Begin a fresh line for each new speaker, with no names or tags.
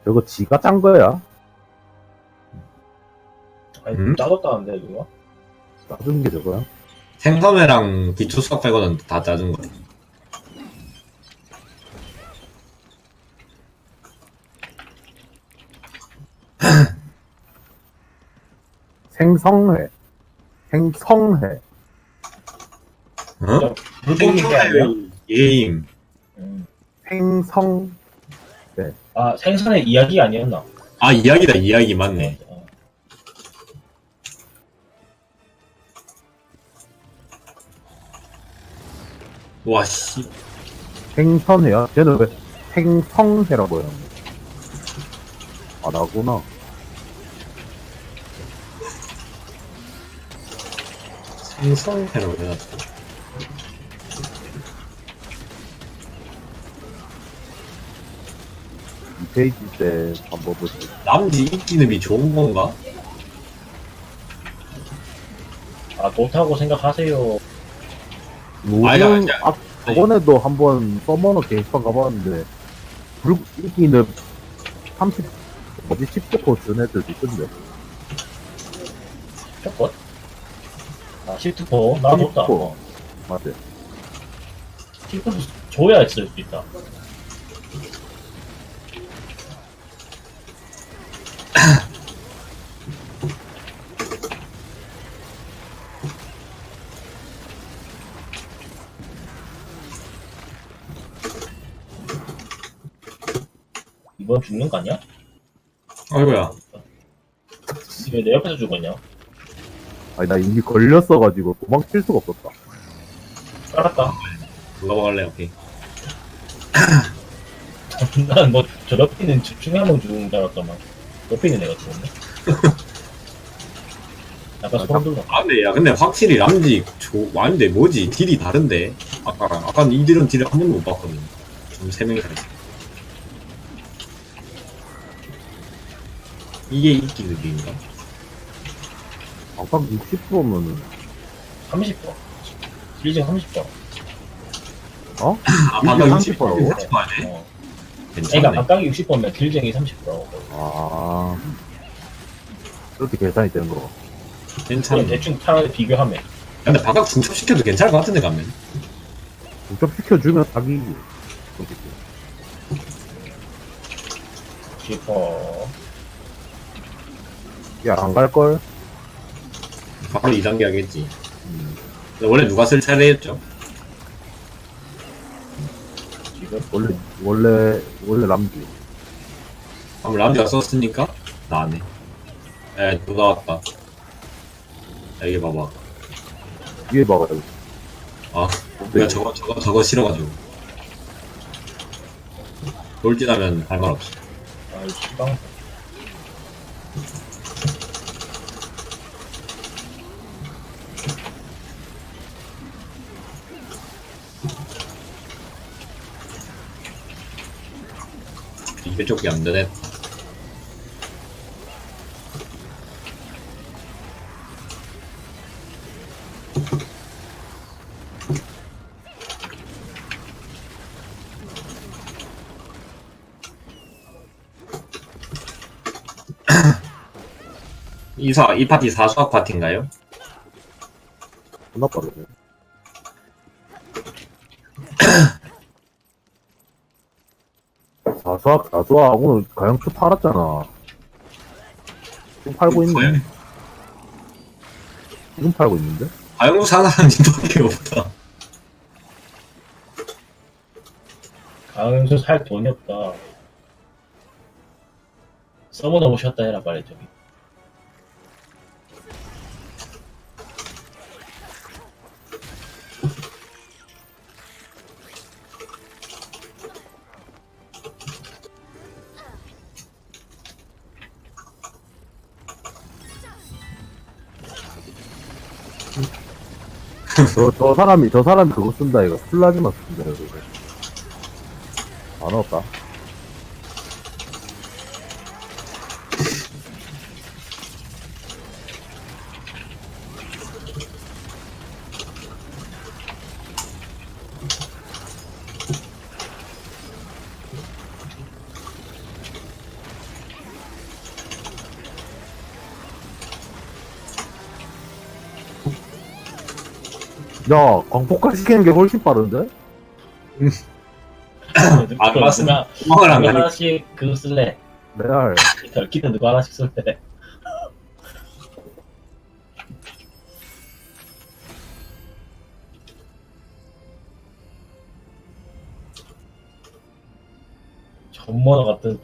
저거 지가 짠 거야?
아니,
음?
짜졌다는데, 누가?
짜준 게 저거야?
생섬이랑 기초 수학 빼고는 다 짜준 거야.
생성회. 생성회.
어?
물고기 게 아니야?
게임.
생성,
아, 생선의 이야기 아니었나?
아, 이야기다, 이야기 맞네.
어.
와, 씨.
생선회야? 쟤는 왜 생성회라고 해요? 아, 나구나.
생성회라고 해놨다.
이 페이지 때 한번 보지.
남지 이기름이 좋은 건가?
아, 좋다고 생각하세요.
아니,
요즘,
아니,
저번에도 한번 서머너 게시판 가봤는데, 인기는 30, 10% 준 애들도 있던데.
켰건? 아, 시프트4? 나 줬다.
10%. 맞아.
시프트 줘야 했을 수 있다. 이번 죽는 거 아니야?
아이고야.
왜 내 옆에서 죽었냐?
아니, 나 이미 걸렸어가지고 도망칠 수가 없었다.
깔았다.
누가 먹을래? 오케이.
난 뭐, 저 옆에 있는 중에 한 명 죽은 줄 알았더만. 옆에 있는 애가 죽었네. 약간 소름 돋아.
아, 근데 확실히 람지 아닌데 뭐지? 딜이 다른데? 아까랑. 아까는 이 딜은 딜을 한 번도 못 봤거든. 지금 세 명이서 했어. 이게 인기 득인가?
아까 60%면은,
30%. 리징 30%.
어?
아, 방금
이게 30%라고?
30% 하네?
어.
괜찮네.
그러니까 각각이 60%면 딜쟁이 30%라고.
아, 그렇게 계산이 되는 거.
그럼
괜찮네.
대충 차라리 비교하면.
근데 바깥 중첩시켜도 괜찮을 것 같은데, 가면.
중첩시켜주면 사기지. 솔직히.
싶어.
야, 안 갈걸?
바로 2단계 하겠지. 근데 원래 누가 쓸 차례였죠?
지금?
원래 람지.
아무 람지가 썼으니까 나왔네. 에, 또 나왔다. 야, 이게 봐봐.
위에 봐봐요.
아, 내가 저거 싫어가지고. 돌진하면 할 말 없어.
아이, 시방.
이게 쪽이 안 되네. 이 파티 사수학 파티인가요?
존나 빠르네. 사수학, 오늘 가영초 팔았잖아. 지금 팔고 있네. 지금 팔고 있는데?
아영우 사는 님밖에 없다.
강은수 살 돈이 없다. 서버너 오셨다 해라, 빨리, 저기.
저 사람이 그거 쓴다, 이거. 플라즈마 쓴다, 이거. 안 넣었다. 야, 광폭화 시키는 게 훨씬 빠른데?
안 맞으면
누가
도망을 안
누가
가니까.
하나씩 그거 쓸래?
레알.
덜기는 누가 하나씩 쓸래? 전모너 같은